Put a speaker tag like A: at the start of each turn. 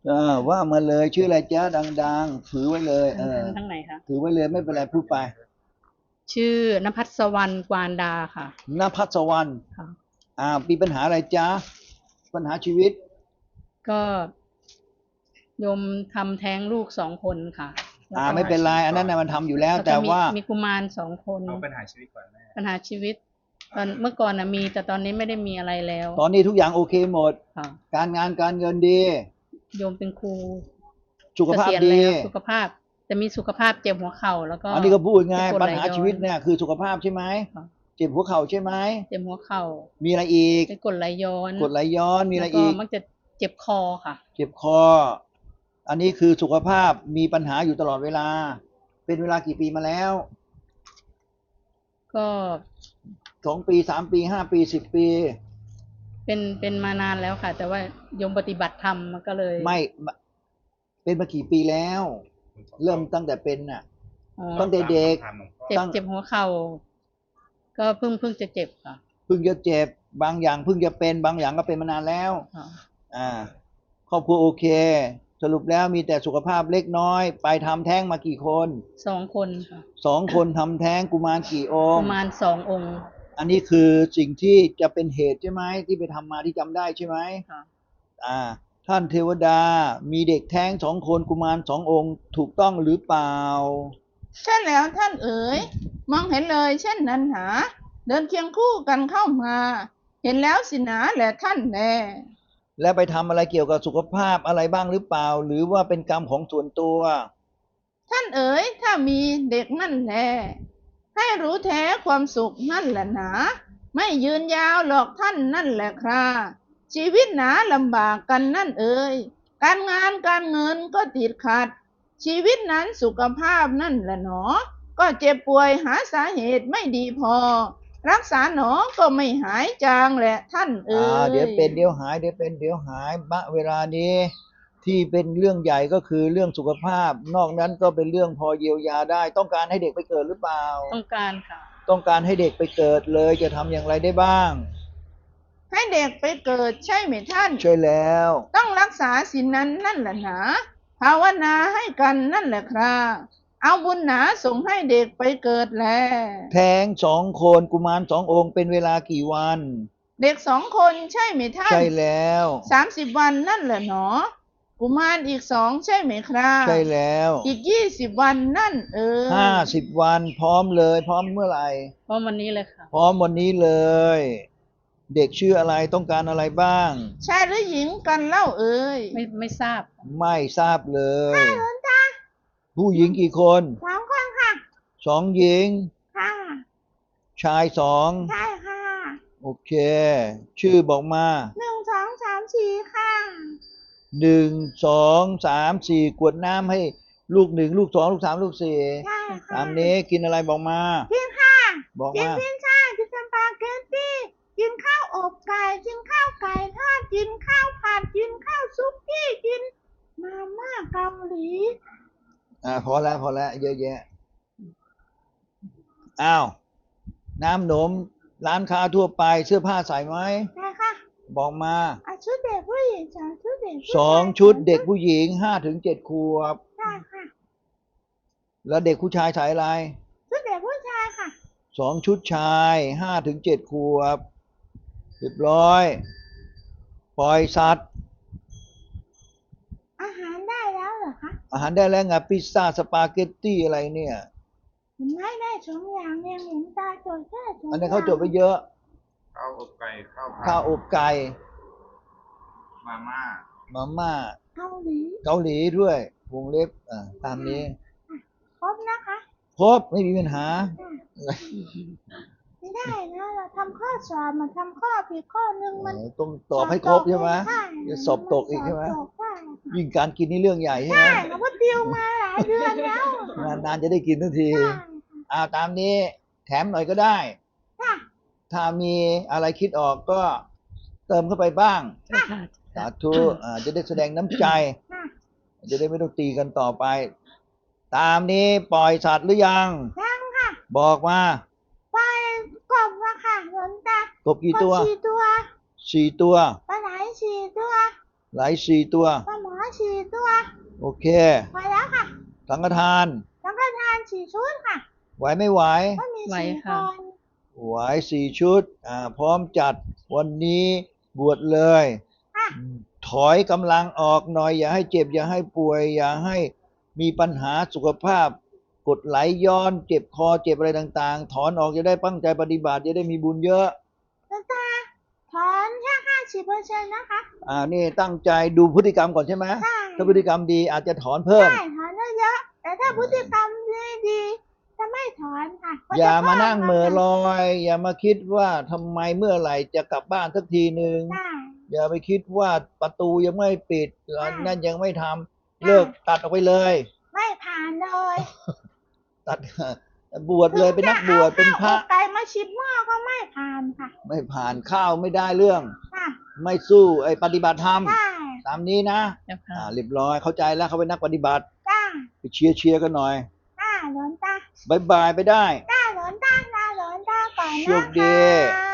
A: ว่ามาเลยชื่ออะไรจ๊ะดังๆถือไว้เลย
B: ทั้งไหนคะ
A: ถือไว้เลยไม่เป็นไรพูดไป
B: ชื่อนภัสวรรณกวานดาค่ะ
A: ณภัสวรรณ
B: ค่ะ
A: มีปัญหาอะไรจ๊ะปัญหาชีวิต
B: ก็โยมทำแท้งลูก2 คนค่ะแล้วก็
A: ไม่เป็นไรอันนั้นน่ะมันทำอยู่แล้ว
B: แล้วก็มี
A: แต่ว่า
B: มีกุมาร2 คน
C: เอาปัญหาชีวิตก่อนแม่
B: ปัญหาชีวิตตอนเมื่อก่อนนะมีแต่ตอนนี้ไม่ได้มีอะไรแล้ว
A: ตอนนี้ทุกอย่างโอเคหมด
B: ค่ะ
A: การงานการเงินดี
B: โยมเป็นครู
A: สุข
B: เกษียณ
A: ภาพดี
B: แล้วสุขภาพจะมีสุขภาพเจ็บหัวเข่าแล้วก็
A: อันนี้ก็พูดไง
B: เจ็บปวด
A: ปัญ
B: ไหลย้อน
A: หาชีวิตเนี่ยคือสุขภาพใช่ไหม
B: ค่ะ
A: เจ็บหัวเข่าใช่ไหม
B: เจ็บหัวเข่า
A: มีอะไรอีก
B: เป็นกรดไหลย้อน
A: กรดไหลย้อนมีอะ
B: แล้วก็
A: ไรอีก
B: มักจะเจ็บคอค่ะ
A: เจ็บคออันนี้คือสุขภาพมีปัญหาอยู่ตลอดเวลาเป็นเวลากี่ปีมาแล้ว
B: ก็
A: 2 ปี3 ปี5 ปี10 ปี
B: เป็นมานานแล้วค่ะแต่ว่าโยมปฏิบัติธรรมมันก็เลย
A: ไม่เป็นมากี่ปีแล้วเริ่มตั้งแต่เป็นน่ะ
B: อ๋อ
A: ตั้งแต่เด็ก
B: เจ็บหัวเข่าก็เพิ่งจะเจ็บค่ะ
A: เพิ่งจะเจ็บบางอย่างเพิ่งจะเป็นบางอย่างก็เป็นมานานแล้ว
B: ค่ะ
A: อ่าครอบครัวโอเคสรุปแล้วมีแต่สุขภาพเล็กน้อยไปทำแท้งมากี่คน
B: 2 คนค่ะ
A: 2 คนทำแท้งกุมารกี่อ
B: ป
A: งค์
B: ระมาณ2 องค์
A: อันนี้คือสิ่งที่จะเป็นเหตุใช่ไหมที่ไปทำมาที่จำได้ใช่ไหม
B: ค่ะ
A: อ่าท่านเทวดามีเด็กแท้ง2 คนกุมาร2 องค์ถูกต้องหรือเปล่า
D: ใช่แล้วท่านเอ๋ยมองเห็นเลยเช่นนั้นหาเดินเคียงคู่กันเข้ามาเห็นแล้วสินะแหละท่านแน่
A: แล้วไปทำอะไรเกี่ยวกับสุขภาพอะไรบ้างหรือเปล่าหรือว่าเป็นกรรมของส่วนตัว
D: ท่านเอ๋ยถ้ามีเด็กนั่นแหละให้รู้แท้ความสุขนั่นแหละหนาไม่ยืนยาวหรอกท่านนั่นแหละคราชีวิตหนาลำบากกันนั่นเอ๋ยการงานการเงินก็ติดขัดชีวิตนั้นสุขภาพนั่นแหละหนอก็เจ็บป่วยหาสาเหตุไม่ดีพอรักษาหนอก็ไม่หายจางแหละท่านเอ๋
A: เดี๋ยว
D: ย
A: เป็นเดี๋ยวหายเดี๋ยวเป็นเดี๋ยวหายเวลานี้ที่เป็นเรื่องใหญ่ก็คือเรื่องสุขภาพนอกนั้นก็เป็นเรื่องพอเยียวยาได้ต้องการให้เด็กไปเกิดหรือเปล่า
B: ต้องการค่ะ
A: ต้องการให้เด็กไปเกิดเลยจะทำอย่างไรได้บ้าง
D: ให้เด็กไปเกิดใช่ไหมท่าน
A: ใช่แล้ว
D: ต้องรักษาศีลนั้นนั่นแหละหนาภาวนาให้กันนั่นแหละครับเอาบุญหนาส่งให้เด็กไปเกิดแล
A: แท้ง2 คนกุมาร2 องค์เป็นเวลากี่วัน
D: เด็ก2 คนใช่ไหมท่าน
A: ใช่แล้ว
D: 30 วันนั่นแหละหนอกุมารอีก2ใช่ไหมครับ
A: ใช่แล้ว
D: อีก20 วันนั่น
A: 50 วันพร้อมเลยพร้อมเมื่อไหร่
B: เพราะวันนี้เลยค่ะ
A: พร้อมวันนี้เลยเด็กชื่ออะไรต้องการอะไรบ้าง
D: ชายหรือหญิงกันเล่าเอ่ย
B: ไม่ทราบ
A: ไม่ทราบเลย
D: หลวงตา
A: ผู้หญิงกี่คน
D: 2 คนค่ะ
A: หญิง
D: ค่ะ
A: ชาย
D: ใช่ค่ะ
A: โอเคชื่อบอกมา
D: 1 2 3 4ค่ะ
A: 1 2 3 4กวดน้ำให้ลูก1ลูก2ลูก3ลูก4
D: ใช่ค่ะ
A: ตามนี้กินอะไรบอกมา
D: กินค่ะ
A: บอก
D: กิน
A: มา
D: พิซซ่ากินสปาเกตตี้กินข้าวอบไก่กินข้าวไก่ทอดกินข้าวผัดกินข้าวซุกี้กินมาม่าเกาหลี
A: พอแล้วเยอะแยะอ้าวน้ำหนมร้านค้าทั่วไปเสื้อผ้าใส่ไหม
D: ใช่ค่ะ
A: บอกมา
D: ชุดเด็กผู้หญิงชุดเด็กผู้ชาย
A: 2 ชุดเด็กผู้หญิง5 ถึง 7 ขวบ
D: ใช่ค่ะ
A: แล้วเด็กผู้ชายใส่อะไร
D: ชุดเด็กผู้ชายค่ะ
A: 2 ชุดชาย5 ถึง 7 ขวบเรียบร้อยปล่อยสัตว์
D: อาหารได้แล้วเหรอคะ
A: อาหารได้แล้วไงพิซซ่าสปาเกตตี้อะไรเนี่ย
D: ไม่ได้2 อย่างเองหลวงตาจดแค่2 อย่าง
A: อันนี้เขาจดไปเยอะ
C: ข้าวอบไก่ข้าวผั
A: ข้าว
C: ด
A: อบไก่
C: มาม่า
D: เกาหลี
A: ด้วยวงเล็บตามนี้
D: ครบนะคะ
A: ครบไม่มีปัญหา
D: ไม่ได้นะเราทำข้อสอบมาทำข้อผิดข้อหนึ่งมัน
A: ต้องตอบให้ครบใช่ไหมจะสอบตกอีกใช่ไหมยิ่งการกินนี่เรื่องใหญ่ใช่ไหม
D: ใช่เราก็ติวมาหลายเดือนแล้ว
A: นานๆจะได้กินทันทีตามนี้แถมหน่อยก็ได้ถ้ามีอะไรคิดออกก็เติมเข้าไปบ้างสาธุจะได้แสดงน้ำใจจะได้ไม่ต้องตีกันต่อไปตามนี้ปล่อยสัตว์หรือยัง
D: ค่ะ
A: บอกมา
D: ปล่อยกบมาค่ะหลวงตาก
A: บกี่ตัว
D: 4 ตัว
A: 4 ตัว
D: ปลาไหล4 ตัว
A: ไหล4 ตัว
D: ปลาหมอ4
A: โอเค
D: พอแล้วค่ะ
A: สังฆทาน
D: สังฆทาน4 ชุดค่ะ
A: ไหวไม่ไหว
D: ก็มี
B: ไหว
D: 4 ค
B: ค่ะ
D: น
A: ไหว4 ชุด พร้อมจัดวันนี้บวชเลย
D: ค่ะ
A: ถอยกำลังออกหน่อย อย่าให้เจ็บ อย่าให้ป่วย อย่าให้มีปัญหาสุขภาพ กดไหลย้อน เจ็บคอเจ็บอะไรต่างๆ ถอนออกจะได้ตั้งใจปฏิบัติจะได้มีบุญเยอะ
D: หลวงตาถอนแค่50%นะคะ
A: นี่ตั้งใจดูพฤติกรรมก่อนใช่ไหม
D: ใช่
A: ถ้าพฤติกรรมดีอาจจะถอนเพิ่ม
D: ใช่ถอนเยอะๆแต่ถ้าพฤติกรรมดีๆจะไม่ถอนค่ะก็จะ
A: อย่ามานั่งเหม่อล
D: พิ่
A: อย อย่ามาคิดว่าทำไมเมื่อไหร่จะกลับบ้านสักทีหนึ่ง
D: ได้
A: อย่าไปคิดว่าประตูยังไม่ปิด
D: ได้
A: นั่นยังไม่ทำเลิกตัดออกไปเลย
D: ไม่ผ่านเลย
A: ตัด บวชเลยเป็นนักบวชเป็นพระ
D: ถึงจเอาข้าวอกไก่มาชิมหม้อก็ไม่ผ่านค่ะ
A: ไม่ผ่านข้าวไม่ได้เรื่อง
D: ค่ะ
A: ไม่สู้ไอ้ปฏิบัติธรรม
D: ได้
A: ตามนี้นะ
B: เจ้าค่ะ
A: เรียบร้อยเข้าใจแล้วเขาเป็นนักปฏิบัติ
D: ได้
A: ไปเชียร์กันหน่อย
D: ได้หลวงตา
A: บายบายไปได้
D: ได้หลวงตาลาหลวงตาก่อน
A: โช
D: นะ
A: คดี
D: คะ